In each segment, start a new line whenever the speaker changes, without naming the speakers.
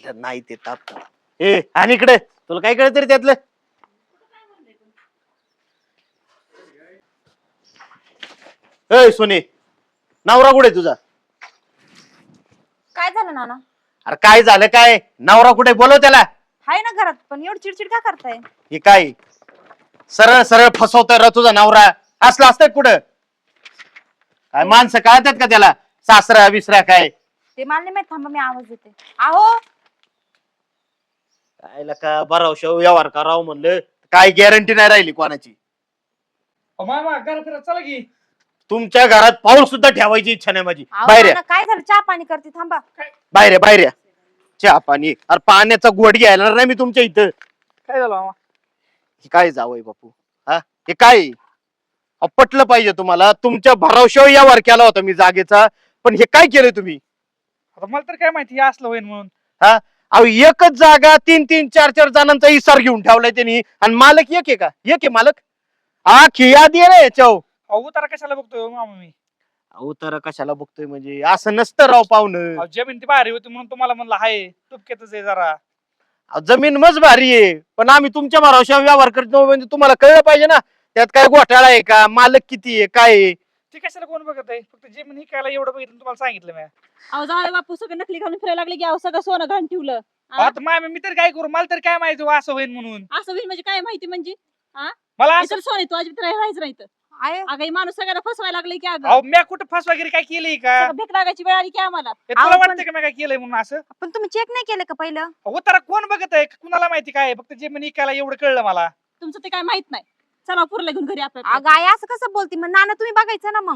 म्हणलं नाही ते ताप ए आणि इकडे तुला काय कळत रे त्यातलं. ए सोने नवरा कुठे तुझा?
काय झालं नाना?
अरे काय झालं काय? नवरा कुठे बोलव त्याला.
हाय ना घरात, पण एवढी चिडचिड का करताय?
हे काय सरळ सरळ फसवतोय र तुझा नवरा. असलं असतं कुठं? काय माणसं कळतात का त्याला? सासरा विसरा काय
ते मला नाही माहित, थांबा मी आवाज देते. आहो
काय का बरावशा व्यवहार करावं म्हणलं काय गॅरंटी नाही राहिली कोणाची.
मामा घरात चला की.
तुमच्या घरात पाऊल सुद्धा ठेवायची इच्छा नाही माझी.
आहो,
बाहेर
नाना, काय झालं? चहा पाणी करते, थांबा.
बाहेर या, बाहेर या. चहा पाणी अरे पाण्याचा गोड घ्यायला नाही मी तुमच्या इथं.
काय झालं मामा?
हे काय जावंय बापू हा? हे काय पटलं पाहिजे तुम्हाला. तुमच्या भरावशावर व्यवहार केला होता मी जागेचा, पण हे काय केलं तुम्ही?
आता मला तर काय माहिती हे असलं होईल म्हणून.
हा अहो एकच जागा 3-3, 4-4 जणांचा इसार घेऊन ठेवलाय त्यांनी आणि मालक एक आहे का? एक आहे मालक. हा खिया दे रे याच्यावर.
अहो तर कशाला बघतोय मामा मी?
अहो तर कशाला बघतोय म्हणजे असं नसतं राव पाहुणं.
अहो, जमीन ती भारी होती म्हणून तुम्हाला म्हणलं हाय तुपक्यातच आहे जरा.
अहो, जमीन मज भारी आहे पण आम्ही तुमच्या भरावशावर व्यवहार करतो म्हणजे तुम्हाला कळलं पाहिजे ना त्यात काय घोटाळा आहे का, मालक किती आहे, काय आहे.
ती कशाला कोण बघत आहे? फक्त जमीन ही कायला एवढं बघितलं तुम्हाला सांगितलं मी.
अहो जाऊ दे बापू, सगळं नकली घालून फिरायला लागले की अहो सगळं सोनं घाण ठेवलं.
आता मामा मी तर काय करू? मला तर काय माहिती असं होईल म्हणून.
असं होईल म्हणजे काय माहिती म्हणजे?
मला असं
इतर सोने तू अजिबात राहायचं नाही तर.
आहे
अगं हे माणूस सगळ्यांना फसवायला लागले की अगं
अहो मी कुठं फस वगैरे काय केलंय का?
सगळं भीक लागायची वेळ आली की आम्हाला.
हे तुला
अहो, पण-
वाटतं का मी काय केलंय म्हणून असं?
पण तुम्ही चेक नाही केलं का पहिलं?
अहो तर कोण बघत आहे? कुणाला माहिती काय आहे? फक्त जमीन इकायला एवढं कळलं मला.
तुमचं ते काय माहित नाही. चला पुरला घेऊन घरी आपल्या.
अगं आई असं कसं बोलती? मग नाना तुम्ही बघायचं ना मग.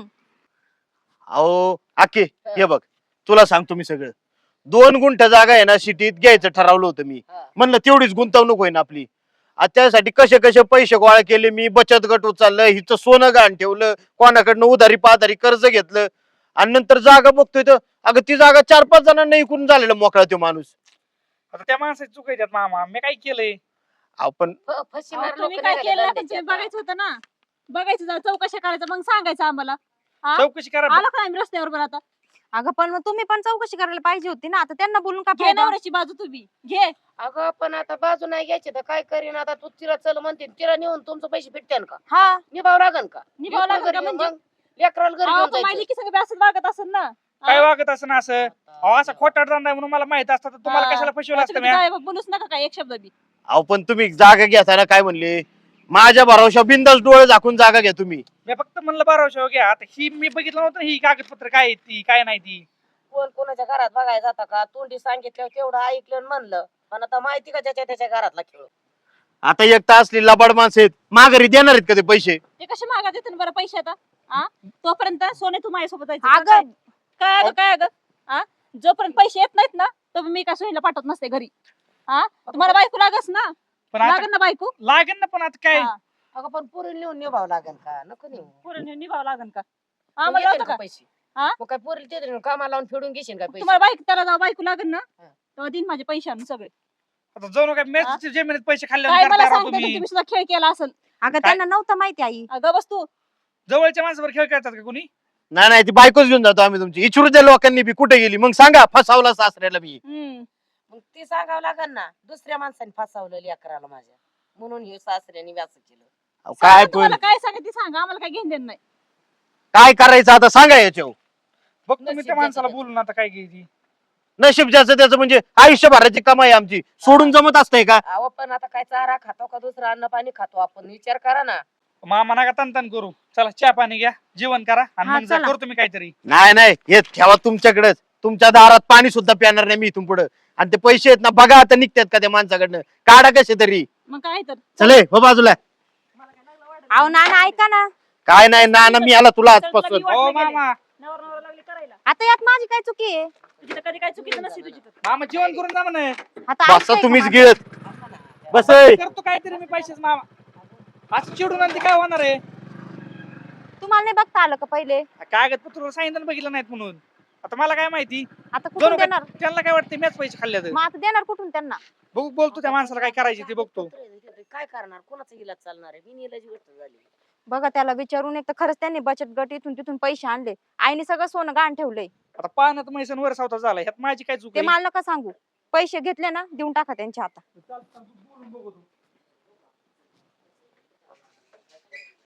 अहो आके हे बघ तुला सांगतो मी सगळं. 2 गुंठ जागा आहे ना सिटीत घ्यायचं ठरवलं होतं मी. म्हणलं तेवढीच गुंतवणूक होईन आपली. आता त्यासाठी कसे कसे पैसे गोळा केले मी. बचत गट उचललं, हिचं सोनं गहाण ठेवलं, कोणाकडनं उधारी पाधारी कर्ज घेतलं आणि नंतर जागा बघतोय तर अगं ती जागा 4-5 जणांना इकून झालेला मोकळा तो माणूस.
आता त्या माणसाची चूक आहे त्यात मामा. मी काय केलंय?
आपण
अहो, तुम्ही काय केलं नाही, पण तुम्ही बघायचं होतं ना. बघायचं जरा चौकशी करायचं मग सांगायचं आम्हाला.
चौकशी करा.
आला का आम्ही रस्त्यावर बरं आता?
अगं पण मग तुम्ही पण चौकशी करायला पाहिजे होती ना. आता त्यांना बोलून का
घे
फायदा?
नवऱ्याची बाजू तुम्ही घे.
अगं पण आता बाजू नाही घ्यायची तर काय करीन आता? तू तिला चल म्हणते, तिला नेऊन तुमचं पैसे भेटते का?
हा
निभाव लागन का?
निभावं लागेल का
लेकरं घरी
म्हणजे?
मग लेकराला घरी
अहो,
घेऊन
पण माझी
जायचं.
की सगळं असं वागत असेल ना.
काय वागत असं ना असं? अहो असं खोटाट धंदा आहे म्हणून मला माहित असतं तर तुम्हाला कशाला फसवलं असतं मी?
काय बोलूच नका काय एक शब्द बी.
अहो पण तुम्ही जागा घेताना काय म्हणले? माझ्या भरावशा बिंदास डोळे झाकून जागा घ्या तुम्ही.
मी फक्त म्हणलं बाराशे घ्या. आता ही मी बघितलं नव्हतं ही कागदपत्र काय आहेत ती काय नाही ती.
कोण कोणाच्या घरात बघायला जाता का? तोंडी सांगितल्यावर तेवढं ऐकलं आणि म्हणलं. पण आता माहिती का ज्याच्या त्याच्या घरातला खेळ?
आता एक तर असली लबाड माणसं आहेत माघारी देणार आहेत का ते पैसे?
ते कसे मागा देते बरं पैसे आता? तोपर्यंत सोने तू माझ्यासोबत जायचं.
अगं
काय अगं काय अगं जोपर्यंत पैसे येत नाहीत ना तर मी काय सोनीला पाठवत नसते घरी. तुम्हाला बायको लागस ना.
पण आता
लागन ना बायको.
लागेल ना. पण आता काय
हा.
अगं पण पुरी नेऊन निभाव लागन का? नको नेऊ.
पुढे निभाव लागन का?
मग
आम्हाला
येतील
होतं
का
का?
पैसे?
हा?
मग काय पुरी ते कामाला लावून फेडून घेशील का पैसे?
तुम्हाला बायको त्याला जाऊ बायको लागन ना
हा.
तेव्हा दिन माझे पैसे आणून सगळे.
आता जाऊ नका. मॅचच्या जमिनीत पैसे
काय मला
खाल्ल्यानंतर
सांगते का
तुम्ही
तुम्ही सुद्धा खेळ केला असेल.
अगं त्यांना नव्हतं माहिती आई.
अगं बस तू.
जवळच्या माणसावर खेळ करतात का कोणी?
नाही नाही ती बायकोच घेऊन जातो आम्ही तुमची. इचरू द्या लोकांनी बी कुठे गेली मग सांगा फसावला सासऱ्याला मी.
मग ते सांगावं लागन ना. दुसऱ्या माणसाने फसवलं लेकराला माझ्या म्हणून हे सासऱ्याने व्यास केलं.
अहो, काय पण
तुम्हाला काय सांगा ती सांगा आम्हाला काय घेऊन देणं नाही.
काय करायचं आता सांगा याच्यावर.
बघतो मी
नशीब
त्या माणसाला
ज्याचं
बोलून आता काय घ्यायची.
नशीब ज्याचं त्याचं म्हणजे आयुष्यभराची कमाई आमची सोडून जमत असतंय का?
अहो पण आता काय चारा खातो का दुसरं अन्न पाणी खातो आपण? विचार करा ना.
मामा नका तन करू. चला चहा पाणी घ्या, जेवण करा आणि
हा,
मग जा
चला.
करतो मी काहीतरी.
नाही नाही हे ठेवा तुमच्याकडेच. तुमच्या दारात पाणी सुद्धा प्याणार नाही मी इथून पुढे. आणि ते पैसे आहेत ना बघा आता निघतात का त्या माणसाकडनं. काढा कसे तरी.
मग काय तर
चले हो बाजूला.
अहो नाना ऐका ना.
काय नाही ना मी आला तुला आजपासून.
हो मामा.
नवरा लागली करायला.
आता यात माझी काय चुकी आहे?
तुझी तर कधी काय चुकीचं नसते तुझी तर.
मामा जेवण करून जा म्हणे.
आता
बसा
ऐकताय
तुम्हीच
का
गिळत बस.
करतो काहीतरी मी पैसेच मामा. असं चिडून आणि काय होणार आहे?
माझं? तुम्हाला नाही बघता आलं का पहिले?
कागदपत्र सांगितलं बघितलं नाहीत म्हणून. आता मला काय माहिती?
आता
जाऊ
कुठून
नका.
देणार?
त्यांना काय वाटतं मॅच पैसे खाल्ले तर
मग आता देणार कुठून त्यांना?
बघू. बोलतो त्या माणसाला काय करायचे ते बघतो.
काय करणार? कोणाचा इलाज चालणार आहे? बिनइलाजी गोष्ट झाली.
बघा त्याला विचारून एक तर खरंच त्यांनी बचत गट इथून तिथून पैसे आणले. आईने सगळं सोनं गहाण ठेवलंय.
आता पाण्यात मैसन वर सावता झाला. ह्यात माझी काय चूक
ते
आहे?
मला नका सांगू. पैसे घेतले ना देऊन टाका त्यांच्या हातात.
चालतं, बोलून बघू.